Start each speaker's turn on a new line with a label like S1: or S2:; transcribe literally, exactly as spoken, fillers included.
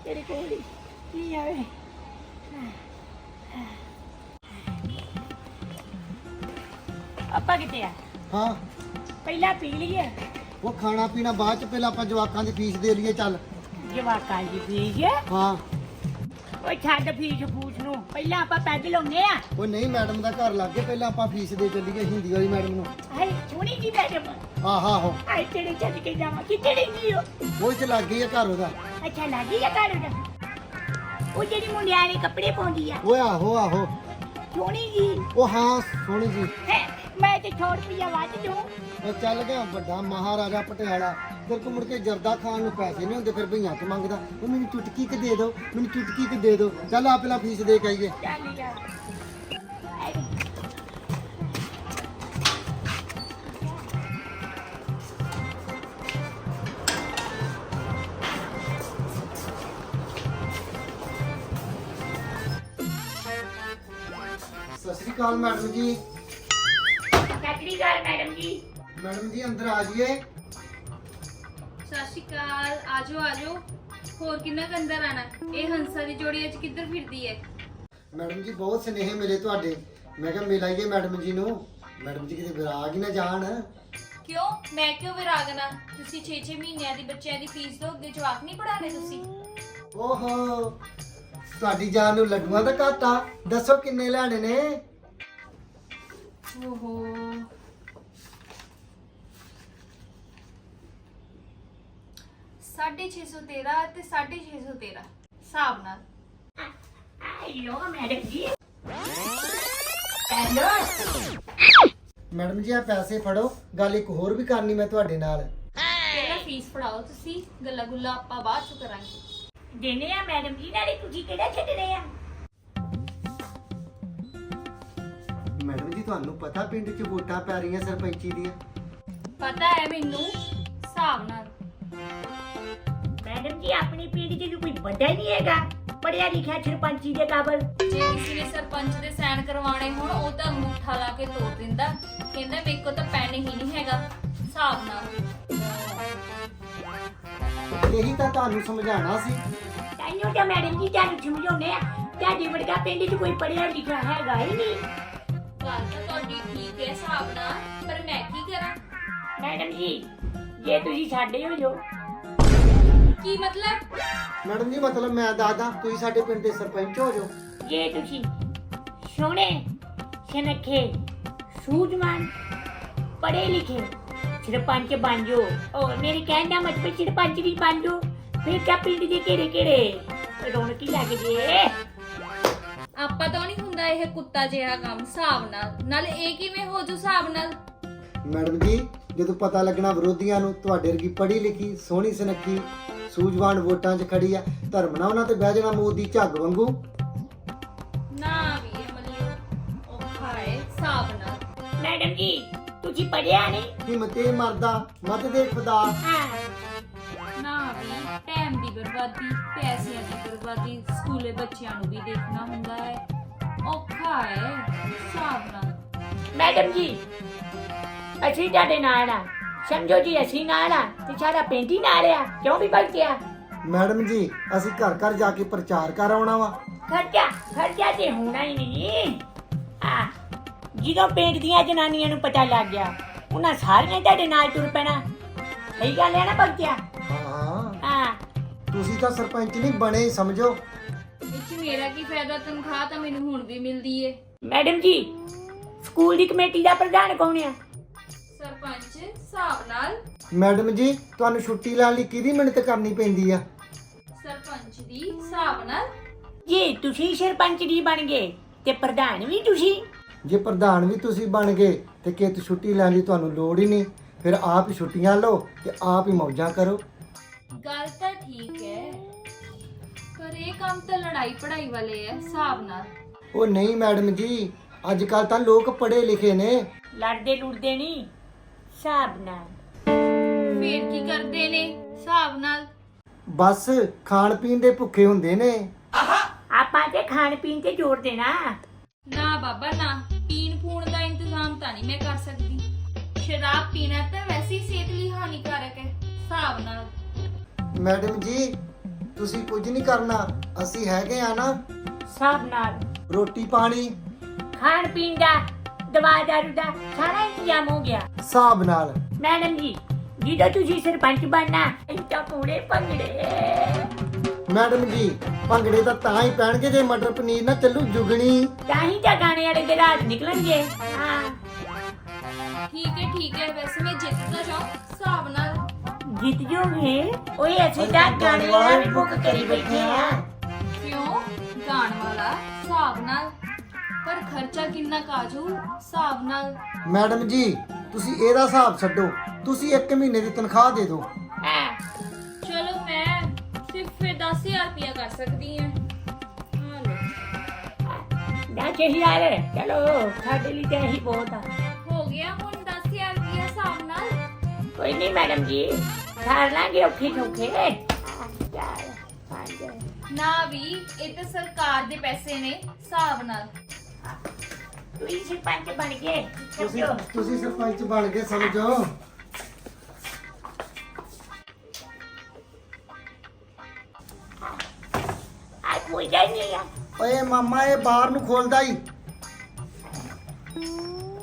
S1: ਤੇਰੇ ਕੋਲ ਹੀ ਕੀ ਆਵੇ। ਆਪਾਂ ਕਿਤੇ ਆ
S2: ਹਾਂ
S1: ਪਹਿਲਾਂ ਪੀ ਲਈਏ।
S2: ਉਹ ਖਾਣਾ ਪੀਣਾ ਬਾਅਦ ਚ, ਪਹਿਲਾਂ ਆਪਾਂ ਜਵਾਕਾਂ ਦੀ ਫੀਸ ਦੇ ਲਈਏ। ਚੱਲ
S1: ਜਵਾਕਾਂ ਦੀ ਫੀਸ
S2: ਹਾਂ।
S1: ਓਏ ਛੱਡ ਫੀਸ ਫੂਸ ਨੂੰ, ਪਹਿਲਾਂ ਆਪਾਂ ਪੈਗ ਲਾਉਨੇ ਆ।
S2: ਉਹ ਨਹੀਂ, ਮੈਡਮ ਦਾ ਘਰ ਲੱਗ ਗਿਆ, ਪਹਿਲਾਂ ਆਪਾਂ ਫੀਸ ਦੇ ਚੱਲੀਏ ਹਿੰਦੀ ਵਾਲੀ ਮੈਡਮ ਨੂੰ।
S1: ਹਾਏ ਸੋਹਣੀ ਜੀ ਮੈਡਮ।
S2: ਆਹ ਆਹੋ
S1: ਹਾਏ ਤੇਰੇ ਚੱਲ ਕੇ ਜਾਵਾਂ ਕਿੱਥੇ ਰਹਿੰਦੀ ਹੋ?
S2: ਉਹ ਚ ਲੱਗ ਗਈ ਆ ਘਰ ਉਹਦਾ।
S1: ਅੱਛਾ ਲੱਗੀ ਆ ਘਰ ਉਹਦਾ। ਉਹ ਜਿਹੜੀ ਮੁੰਡਿਆਂ ਦੇ ਕੱਪੜੇ ਪਾਉਂਦੀ ਆ,
S2: ਓਏ ਆਹੋ ਆਹੋ।
S1: ਸੋਹਣੀ ਜੀ।
S2: ਉਹ ਹਾਂ ਸੋਹਣੀ ਜੀ।
S1: ਹੈਂ, ਮੈਂ ਤੇ ਸੌ ਰੁਪਈਆ ਵੱਧ ਦੂੰ।
S2: ਉਹ ਚੱਲ ਗਿਆ ਵੱਡਾ ਮਹਾਰਾਜਾ ਪਟਿਆਲਾ। ਤੇਰੇ ਕੋਲ ਮੁੜ ਕੇ ਜਰਦਾ ਖਾਣ ਨੂੰ ਪੈਸੇ ਨਹੀਂ ਹੁੰਦੇ, ਫਿਰ ਭਈਆਂ ਤੋਂ ਮੰਗਦਾ। ਉਹ ਮੈਨੂੰ ਚੁਟਕੀ ਕਿ ਦੇ ਦਿਓ, ਮੈਨੂੰ ਚੁਟਕੀ ਕਿ ਦੇ ਦਿਓ। ਚੱਲ ਆ ਪਹਿਲਾਂ ਫੀਸ ਦੇ ਕੇ ਆਈਏ।
S1: ਚੱਲ ਯਾਰ।
S2: ਸਤਿ ਸ਼੍ਰੀ ਅਕਾਲ ਮੈਡਮ ਜੀ।
S1: ਸਤਿ ਸ਼੍ਰੀ ਅਕਾਲ ਮੈਡਮ ਜੀ।
S2: ਮੈਡਮ ਜੀ ਅੰਦਰ ਆ ਜਾਈਏ।
S3: ਸਤਿ ਸ਼੍ਰੀ ਅਕਾਲ। ਆਜੋ ਆਜੋ। ਹੋਰ ਕਿੰਨਾ ਕੁ ਅੰਦਰ ਆਣਾ? ਇਹ ਹੰਸਾ ਦੀ ਜੋੜੀ ਅੱਜ ਕਿੱਧਰ ਫਿਰਦੀ ਹੈ?
S2: ਮੈਡਮ ਜੀ ਬਹੁਤ ਸਨੇਹ ਮਿਲੇ ਤੁਹਾਡੇ, ਮੈਂ ਕਿਹਾ ਮਿਲ ਆਈਏ ਮੈਡਮ ਜੀ ਨੂੰ। ਮੈਡਮ ਜੀ ਕਿਤੇ ਵਿਰਾਗ ਹੀ ਨਾ ਜਾਣ।
S3: ਕਿਉਂ? ਮੈਂ ਕਿਉਂ ਵਿਰਾਗਨਾ? ਤੁਸੀਂ ਛੇ ਛੇ ਮਹੀਨਿਆਂ ਦੀ ਬੱਚਿਆਂ ਦੀ ਫੀਸ ਦੋ, ਅੱਗੇ ਜਵਾਕ ਨਹੀਂ ਪੜਾਣੇ ਤੁਸੀਂ?
S2: ਓਹੋ, ਤੁਹਾਡੀ ਜਾਨ ਨੂੰ ਲੱਡੂਆਂ ਦਾ ਘਾਟਾ। ਦੱਸੋ ਕਿੰਨੇ ਲੈਣੇ ਨੇ?
S3: ਓਹੋ, ਸਾਢੇ ਛੇ ਸੌ ਤੇਰਾਂ ਤੇ ਸਾਢੇ ਛੇ ਸੌ ਤੇਰਾਂ ਹਿਸਾਬ ਨਾਲ।
S1: ਆਇਓ ਮੈਡਮ ਜੀ। ਹੈਲੋ
S2: ਮੈਡਮ ਜੀ ਆ ਪੈਸੇ ਫੜੋ, ਗੱਲ ਇੱਕ ਹੋਰ ਵੀ ਕਰਨੀ ਮੈਂ ਤੁਹਾਡੇ ਨਾਲ।
S3: ਪਹਿਲਾਂ ਫੀਸ ਫੜਾਓ ਤੁਸੀਂ, ਗੱਲਾਂ ਗੁੱਲਾਂ ਆਪਾਂ ਬਾਅਦ ਚ ਕਰਾਂਗੇ।
S1: ਦੇਨੇ ਆ ਮੈਡਮ ਜੀ, ਨਾਲੇ ਤੁਸੀਂ ਕਿਹੜਾ ਛੱਡਣੇ ਆ?
S2: ਮੈਡਮ ਜੀ ਤੁਹਾਨੂੰ ਪਤਾ ਪਿੰਡ 'ਚ ਵੋਟਾਂ ਪੈ ਰਹੀਆਂ ਸਰਪੰਚੀ ਦੀਆਂ?
S3: ਪਤਾ ਹੈ ਮੈਨੂੰ, ਹਿਸਾਬ ਨਾਲ।
S1: ਮੈਡਮ ਜੀ ਆਪਣੇ ਪਿੰਡ 'ਚ ਕੋਈ ਵੱਡਾ ਹੀ ਨਹੀਂ ਹੈਗਾ ਪੜਿਆ ਲਿਖਿਆ ਸਰਪੰਚੀ ਦੇ ਕਾਬਲ।
S3: ਜੇ ਕਿਸੇ ਨੇ ਸਰਪੰਚ ਦੇ ਸਾਈਨ ਕਰਵਾਉਣੇ ਹੋਣ, ਉਹ ਤਾਂ ਅੰਗੂਠਾ ਲਾ ਕੇ ਤੋੜ ਦਿੰਦਾ, ਕਹਿੰਦਾ ਮੇਰੇ ਕੋਲ ਤਾਂ ਪੈਨ ਹੀ ਨਹੀਂ ਹੈਗਾ। ਹਿਸਾਬ ਨਾਲ।
S2: ਇਹੀ ਤਾਂ ਤੁਹਾਨੂੰ ਸਮਝਾਉਣਾ ਸੀ।
S1: ਤਾਈਓ ਤਾਂ ਮੈਡਮ ਜੀ ਤੁਹਾਨੂੰ ਸਮਝਾਉਂਦੇ ਆ, ਤੁਹਾਡੇ ਵਰਗਾ ਪਿੰਡ 'ਚ ਕੋਈ ਪੜਿਆ ਲਿਖਿਆ ਹੈਗਾ ਹੀ ਨਹੀਂ।
S3: ਗੱਲ ਤਾਂ ਤੁਹਾਡੀ ਠੀਕ ਹੈ ਹਿਸਾਬ ਨਾਲ, ਪਰ ਮੈਂ ਕੀ ਕਰਾਂ?
S1: ਮੈਡਮ ਜੀ ਜੇ ਤੁਸੀਂ ਸਾਡੇ ਹੋ ਜੋ।
S3: ਕੀ ਮਤਲਬ?
S2: ਮੈਡਮ ਜੀ ਮਤਲਬ ਮੈਂ ਦੱਸਦਾ, ਤੁਸੀਂ ਸਾਡੇ ਪਿੰਡ ਦੇ ਸਰਪੰਚ ਹੋ ਜਾਓ।
S1: ਜੇ ਤੁਸੀਂ ਸੋਹਣੇ ਸੁਨੱਖੇ ਸੂਝਵਾਨ ਪੜ੍ਹੇ ਲਿਖੇ ਸਰਪੰਚ ਬਣ ਜਾਓ, ਉਹ ਮੇਰੇ ਕਹਿਣ ਦਾ ਮਤਲਬ ਸਰਪੰਚ ਵੀ ਬਣ ਜਾਓ, ਫਿਰ ਤਾਂ ਪਿੰਡ ਦੇ ਕਿਹੜੇ ਕਿਹੜੇ ਰੌਣਕ ਹੀ ਲੱਗ ਜੇ।
S3: ਆਪਾਂ ਤਾਂ ਨਹੀਂ ਹੁੰਦਾ ਇਹ ਕੁੱਤਾ ਜਿਹਾ ਕੰਮ ਹਿਸਾਬ ਨਾਲ। ਨਾਲੇ ਇਹ ਕਿਵੇਂ ਹੋ ਜੂ ਹਿਸਾਬ ਨਾਲ?
S2: ਮੈਡਮ ਜੀ ਜਦੋਂ ਪਤਾ ਲੱਗਣਾ ਵਿਰੋਧੀਆਂ ਨੂੰ ਤੁਹਾਡੇ ਵਰਗੀ ਪੜ੍ਹੀ ਲਿਖੀ ਸੋਹਣੀ ਸੁਨੱਖੀ ਸੂਝਵਾਨ ਵੋਟਾਂ 'ਚ ਖੜੀ ਆ, ਧਰਮ ਨਾਲ ਉਹਨਾਂ ਤੇ ਬਹਿ ਜਾਣਾ ਮੋਦੀ ਝੱਗ ਵਾਂਗੂ।
S3: ਨਾ ਵੀ ਇਹ ਮੱਲਿਓ ਔਖਾ ਹੈ ਹਿਸਾਬ ਨਾਲ।
S1: ਮੈਡਮ ਜੀ ਤੁਸੀਂ ਪੜਿਆ ਨਹੀਂ?
S2: ਹਿੰਮਤੇ ਮਰਦਾ ਮਤ ਦੇ ਖੁਦਾ।
S1: ਹਾਂ
S3: ਨਾ ਵੀ ਟਾਈਮ ਦੀ ਬਰਬਾਦੀ, ਪੈਸਿਆਂ ਦੀ ਬਰਬਾਦੀ, ਸਕੂਲੇ ਬੱਚਿਆਂ ਨੂੰ ਵੀ ਦੇਖਣਾ ਹੁੰਦਾ ਹੈ, ਔਖਾ ਹੈ ਹਿਸਾਬ ਨਾਲ।
S1: ਮੈਡਮ ਜੀ ਅਸੀਂ ਤੁਹਾਡੇ ਨਾਲ ਆ, ਸਮਝੋ ਜੀ ਅਸੀਂ ਨਾਲ ਆ ਤੇ ਸਾਡਾ ਪਿੰਡ ਹੀ ਨਾਲ ਆ, ਕਿਉਂ ਵੀ ਬਲਕਿਆ?
S2: ਮੈਡਮ ਜੀ ਅਸੀਂ ਘਰ ਘਰ ਜਾ ਕੇ ਪ੍ਰਚਾਰ ਕਰ ਆਉਣਾ ਵਾ।
S1: ਖਰਚਾ ਖਰਚਾ ਤੇ ਹੋਣਾ ਹੀ ਨਹੀਂ। ਆ ਜਦੋਂ ਪਿੰਡ ਦੀਆਂ ਜਨਾਨੀਆਂ ਨੂੰ ਪਤਾ ਲੱਗ ਗਿਆ, ਉਹਨਾਂ ਸਾਰੀਆਂ ਤੁਹਾਡੇ ਨਾਲ ਤੁਰ ਪੈਣਾ। ਸਹੀ ਗੱਲ ਹੈ ਨਾ ਬਲਕਿਆ?
S2: ਹਾਂ
S1: ਹਾਂ
S2: ਤੁਸੀਂ ਤਾਂ ਸਰਪੰਚ ਨਹੀਂ ਬਣੇ ਹੀ ਸਮਝੋ।
S3: ਵਿੱਚ ਮੇਰਾ ਕੀ ਫਾਇਦਾ? ਤਨਖਾਹ ਤਾਂ ਮੈਨੂੰ ਹੁਣ ਵੀ ਮਿਲਦੀ ਏ।
S1: ਮੈਡਮ ਜੀ ਸਕੂਲ ਦੀ ਕਮੇਟੀ ਦਾ ਪ੍ਰਧਾਨ ਕੌਣ ਆ?
S3: ਸਰਪੰਚ ਹਿਸਾਬ ਨਾਲ।
S2: ਮੈਡਮ ਜੀ ਤੁਹਾਨੂੰ ਛੁੱਟੀ ਲੈਣ ਲਈ ਕਿਹਦੀ ਮਿਹਨਤ ਕਰਨੀ ਪੈਂਦੀ ਆ?
S3: ਸਰਪੰਚ ਦੀ ਹਿਸਾਬ ਨਾਲ।
S1: ਜੇ ਤੁਸੀਂ ਸਰਪੰਚ ਦੀ ਬਣ ਗਏ ਤੇ ਪ੍ਰਧਾਨ ਵੀ ਤੁਸੀਂ।
S2: ਜੇ ਪ੍ਰਧਾਨ ਵੀ ਤੁਸੀਂ ਬਣ ਗਏ ਤੇ ਕਿਤ ਛੁੱਟੀ ਲੈਣ ਦੀ ਤੁਹਾਨੂੰ ਲੋੜ ਹੀ ਨਹੀਂ, ਫਿਰ ਆਪ ਹੀ ਛੁੱਟੀਆਂ ਲਓ ਤੇ ਆਪ ਹੀ ਮੌਜਾਂ ਕਰੋ।
S3: ਗੱਲ ਤਾਂ ਠੀਕ ਹੈ, ਪਰ ਇਹ ਕੰਮ ਤਾਂ ਲੜਾਈ ਪੜਾਈ ਵਾਲੇ ਐ ਹਿਸਾਬ ਨਾਲ।
S2: ਉਹ ਨਹੀਂ ਮੈਡਮ ਜੀ, ਅੱਜ ਕੱਲ ਤਾਂ ਲੋਕ ਪੜ੍ਹੇ ਲਿਖੇ ਨੇ।
S1: ਲੜਦੇ ਲੁੜਦੇ ਨਹੀਂ, ਹਿਸਾਬ ਨਾਲ।
S3: ਫੇਰ ਕੀ ਕਰਦੇ ਨੇ ਹਿਸਾਬ ਨਾਲ?
S2: ਬਸ ਖਾਣ ਪੀਣ ਦੇ ਭੁੱਖੇ ਹੁੰਦੇ ਨੇ।
S1: ਆਪਾਂ ਤੇ ਖਾਣ ਪੀਣ ਤੇ ਜ਼ੋਰ ਦੇਣਾ।
S3: ਨਾ ਬਾਬਾ ਨਾ, ਪੀਣ ਪੂਣ ਦਾ ਇੰਤਜ਼ਾਮ ਤਾਂ ਨਹੀਂ ਮੈਂ ਕਰ ਸਕਦੀ। ਸ਼ਰਾਬ ਪੀਣਾ ਤਾਂ ਵੈਸੇ ਹੀ ਸਿਹਤ ਲਈ ਹਾਨੀਕਾਰਕ ਹੈ ਹਿਸਾਬ ਨਾਲ।
S2: ਮੈਡਮ ਜੀ ਤੁਸੀਂ ਕੁਝ ਨਹੀਂ ਕਰਨਾ, ਅਸੀਂ ਹੈਗੇ ਆ ਨਾ।
S1: ਹਿਸਾਬ ਨਾਲ
S2: ਰੋਟੀ ਪਾਣੀ
S1: ਖਾਣ ਪੀਣ ਦਾ, ਦਵਾ ਦਾਰੂ ਦਾ ਸਾਰਾ ਇੰਤਜ਼ਾਮ ਹੋ ਗਿਆ।
S2: ਹਿਸਾਬ ਨਾਲ।
S1: ਮੈਡਮ ਜੀ, ਜਦੋਂ ਤੁਸੀਂ ਸਰਪੰਚ ਬਣਨਾ ਇੰਤਾ ਪੂਰੇ ਭੰਗੜੇ।
S2: ਮੈਡਮ ਜੀ, ਭੰਗੜੇ ਤਾਂ ਤਾਂ ਹੀ ਪੈਣਗੇ ਜੇ ਮਟਰ ਪਨੀਰ ਨਾ ਚੱਲੂ ਜੁਗਣੀ।
S1: ਤਾਂ ਹੀ ਤਾਂ ਗਾਣੇ ਵਾਲੇ ਦੇ ਰਾਤ ਨਿਕਲਣਗੇ। ਹਾਂ
S3: ਠੀਕ ਹੈ ਠੀਕ ਹੈ, ਵੈਸੇ ਮੈਂ ਜਿੱਤ ਤਾਂ ਜਾਉਂ ਹਿਸਾਬ ਨਾਲ।
S1: ਜਿੱਤ ਜੋਗੇ। ਓਏ ਅਸੀਂ ਤਾਂ ਗਾਣੇ ਵਾਲਾ ਵੀ ਬੁੱਕ ਕਰੀ ਬੈਠੇ ਆ।
S3: ਕਿਉਂ? ਗਾਣ ਵਾਲਾ ਹਿਸਾਬ ਨਾਲ, ਪਰ ਖਰਚਾ ਕਿੰਨਾ ਕਾਜੂ ਹਿਸਾਬ ਨਾਲ।
S2: ਮੈਡਮ ਜੀ, ਤੁਸੀਂ ਇਹਦਾ ਹਿਸਾਬ ਛੱਡੋ, ਤੁਸੀਂ ਇੱਕ ਮਹੀਨੇ ਦੀ ਤਨਖਾਹ ਦੇ ਦਿਓ।
S1: ਹਾਂ
S3: ਚਲੋ ਮੈਂ ਸਿਰਫ ਫਿਰ ਦਸ ਹਜ਼ਾਰ ਰੁਪਇਆ ਕਰ ਸਕਦੀ ਹਾਂ। ਹਾਂ ਲਓ,
S1: ਦਸ ਹਜ਼ਾਰ ਚਲੋ ਸਾਡੇ ਲਈ ਤਾਂ ਇਹੀ ਬਹੁਤ ਆ।
S3: ਹੋ ਗਿਆ ਹੁਣ ਦਸ ਹਜ਼ਾਰ ਰੁਪਇਆ ਹਿਸਾਬ ਨਾਲ।
S1: ਕੋਈ ਨਹੀਂ ਮੈਡਮ ਜੀ, ਕਰ ਲਾਂਗੇ ਔਖੇ ਸੌਖੇ। ਚਾਰ ਪੰਜ।
S3: ਨਾ ਵੀ, ਇਹ ਤਾਂ ਸਰਕਾਰ ਦੇ ਪੈਸੇ ਨੇ ਹਿਸਾਬ ਨਾਲ।
S1: ਤੁਸੀਂ ਸਰਪੰਚ ਬਣ ਗਏ।
S2: ਤੁਸੀਂ ਤੁਸੀਂ ਸਰਪੰਚ ਬਣ ਗਏ ਸਮਝੋ।
S1: ਆ ਕੋਈ ਨਹੀਂ ਆ।
S2: ਓਏ ਮਾਮਾ, ਇਹ ਬਾਹਰ ਨੂੰ ਖੋਲਦਾ ਹੀ।